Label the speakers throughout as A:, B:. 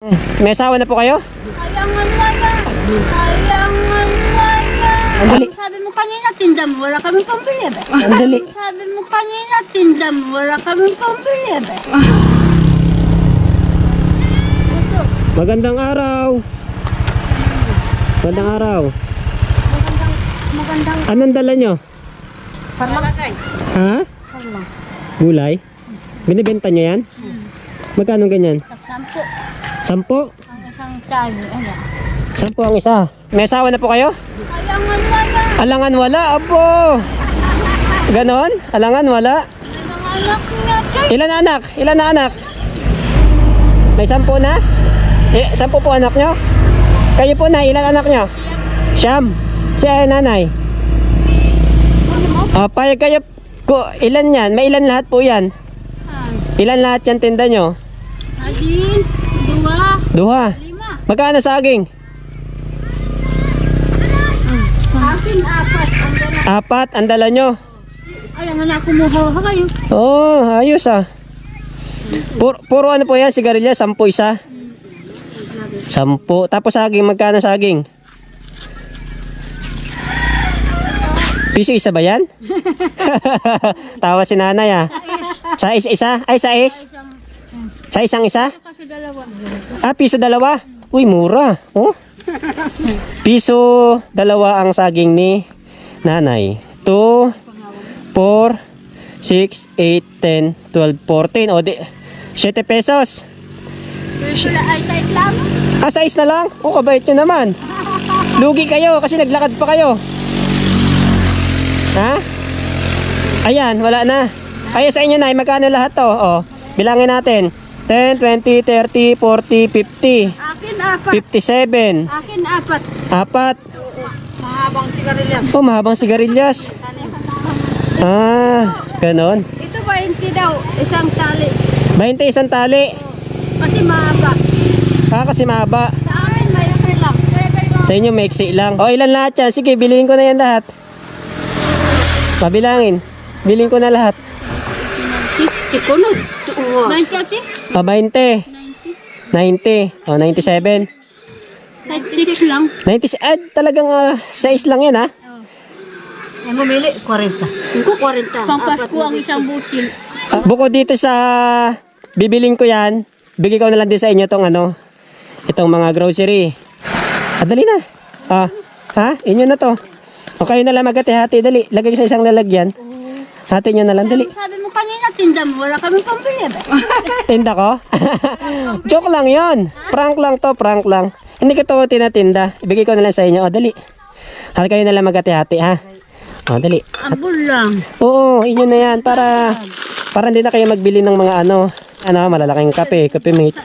A: May asawa na po kayo?
B: Ayangan wala. Ayangan wala.
A: Ang dali.
B: Sabi mo kanina, tinda mo, wala kaming pambili. Be.
A: Ang dali.
B: Sabi mo kanina, tinda mo, wala kaming pambili. Be.
A: Magandang araw. Magandang araw.
B: Magandang
A: Anong dala nyo?
B: parmalakay.
A: Ha? Gulay? Binibenta nyo yan? Magkano ganyan?
B: Sampo.
A: 10?
B: Ang isang tayo. Ano?
A: 10 ang isa. May asawa na po kayo?
B: Ayangan wala.
A: Alangan wala, abo. Ganon? Alangan wala.
B: Ang anak niya.
A: Ilan na anak? Ilan na anak? May 10 na? 10 po anak nyo? Kayo po na, ilan anak nyo? Siyam. Siya nanay. Payag kayo. Ilan yan? May ilan lahat po yan? Ilan lahat yan tinda nyo?
B: Adin,
A: Duha.
B: 5.
A: Magkano saging?
B: Akin, 4. Ang gana.
A: 4 ang dala nyo.
B: Ayangan na kumuha kayo.
A: Oh, ayos ah. Puro ano po yan, sigarilya, 10 isa. 10. Tapos saging, magkano saging? Piso isa ba yan? Tawa si nanay ah. Sa isa? Ay, sa isang isa?
B: Kasi dalawa.
A: Piso 2. Uy, mura. Oh. Piso 2 ang saging ni nanay. 2, 4, 6, 8, 10, 12, 14. O, 7 pesos.
B: Wala ay tight lang.
A: Size na lang? Oh, kabait nyo naman. Lugi kayo kasi naglakad pa kayo. Ha? Ayan, wala na. Ay, sa inyo na, magkano lahat to? Oh, bilangin natin. 10, 20, 30, 40, 50.
B: Akin 4.
A: 57.
B: Akin 4.
A: 4.
B: Mahabang sigarilyas.
A: Oh, mahabang sigarilyas. Ganon.
B: Ito 20 daw, isang tali.
A: 20 isang tali.
B: Kasi mahaba.
A: Kasi mahaba.
B: Sa akin may lang.
A: Sa inyo, maiksi lang. O, ilan lahat yan? Sige, bilhin ko na yan lahat. Mabilangin. Bilhin ko na lahat.
B: Sikunod. 90.
A: O, 20. 90. O, 97.
B: 96 lang.
A: 90. Talagang size lang yan, ha?
B: Ay, bumili, 40. Ko 40. Pampasko ang isang butil.
A: Bukod dito sa bibiling ko yan, bigay ko na lang din sa inyo itong mga grocery. Dali na. Inyo na to. O kayo na lang magkati-hati, dali. Lagay sa isang lalagyan. Hati nyo na lang, dali.
B: Sabi mo kanina, tinda mo, wala kaming pambili.
A: Tinda ko? Joke lang yon. Prank lang to, prank lang. Hindi ko to tinatinda. Ibigay ko na lang sa inyo. O, dali. Kayo na lang magkati-hati, ha? O, dali.
B: Abol lang.
A: Oo, inyo na yan. Para hindi na kayo magbili ng mga malalaking kape mate.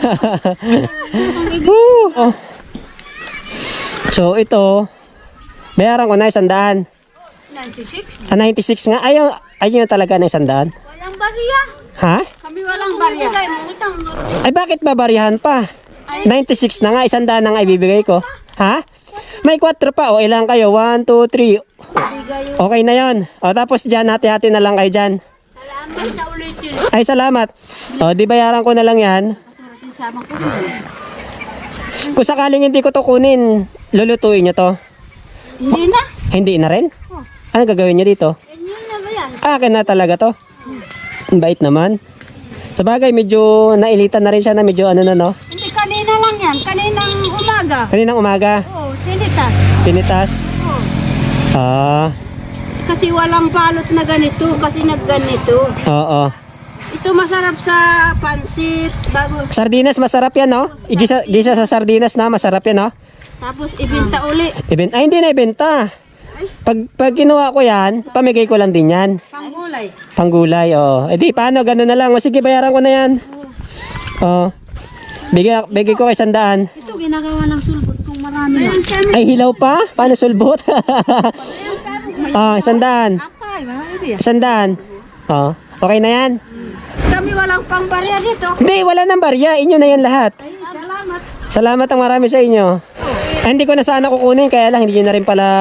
A: Oh. So, ito, bayaran ko na 100.
B: 96.
A: 96 nga. Ayaw talaga ng 100.
B: Walang bariya.
A: Ha?
B: Kami walang bariya.
A: Ay, bakit babarihan pa? 96 na nga, 100 na nga ibibigay ko. Ha? May 4 pa. O, ilang kayo? 1, 2, 3. Okay na yon. O, tapos dyan, hati-hati na lang kayo dyan.
B: Salamat na ulit yun.
A: Ay, salamat. O, di bayaran ko na lang yan.
B: Kasama ko.
A: Kung sakaling hindi ko to kunin, lulutuin nyo to.
B: Hindi na.
A: Hindi na rin? Ano gagawin nyo dito?
B: Ganyan na ba yan?
A: Akin na talaga to. Ang bait naman. Sa bagay, medyo nailitan na rin siya na medyo no?
B: Hindi, kanina lang yan. Kaninang umaga.
A: Kaninang umaga,
B: Oo, tinitas.
A: pinitas.
B: Oo. Kasi walang balot na ganito. Kasi nagganito.
A: Oo.
B: Ito masarap sa pansit. Bago.
A: Sardinas, masarap yan, no? Gisa sa sardinas na, masarap yan, no?
B: Tapos ibinta uli.
A: Hindi na ibenta. Pag kinuha ko yan, pamigay ko lang din yan.
B: Panggulay.
A: Panggulay, oh. Paano, gano'n na lang. O, sige, bayaran ko na yan. Oh. Bigay ko kay 100.
B: Ito ginagawa ng sulbot kung marami lang.
A: Ay, hilaw pa? Paano sulbot? 100.
B: Apay, marami ba yan?
A: 100. Oh. Okay na yan?
B: Kami walang pangbarya dito.
A: Hindi, wala nang barya. Inyo na yan lahat.
B: Ay, salamat.
A: Salamat ang marami sa inyo. Hindi ko na sana kukunin, kaya lang hindi nyo na rin pala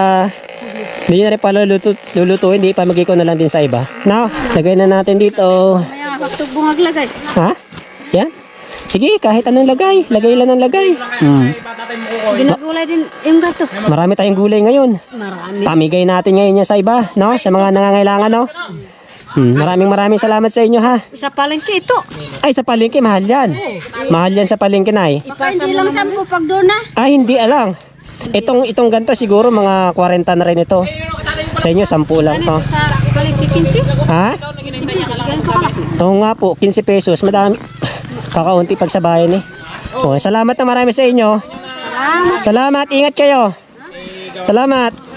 A: lulutuin. Hindi, pamigay ko na lang din sa iba. Now, lagay na natin dito.
B: Maya, pagtugbong aglagay.
A: Ha? Yan? Sige, kahit anong lagay. Lagay lang ng lagay.
B: Ginagulay din yung gato.
A: Marami tayong gulay ngayon.
B: Marami.
A: Pamigay natin ngayon yan sa iba, no? Sa mga nangangailangan, no? Maraming salamat sa inyo, ha?
B: Sa palengke ito.
A: Ay, sa palengke, mahal yan. Mahal yan sa palengke, Nay.
B: Baka hindi lang 10 pag doon na.
A: Ay, hindi alang. Itong ganito siguro mga 40 na rin ito. Sa inyo, 10 lang to.
B: Sa palengke 15.
A: Ha?
B: Ganito kalaki.
A: Oo nga po, 15 pesos. Madami. Kakaunti pag sa bayan eh. Oh, salamat na marami sa inyo. Salamat, ingat kayo. Salamat.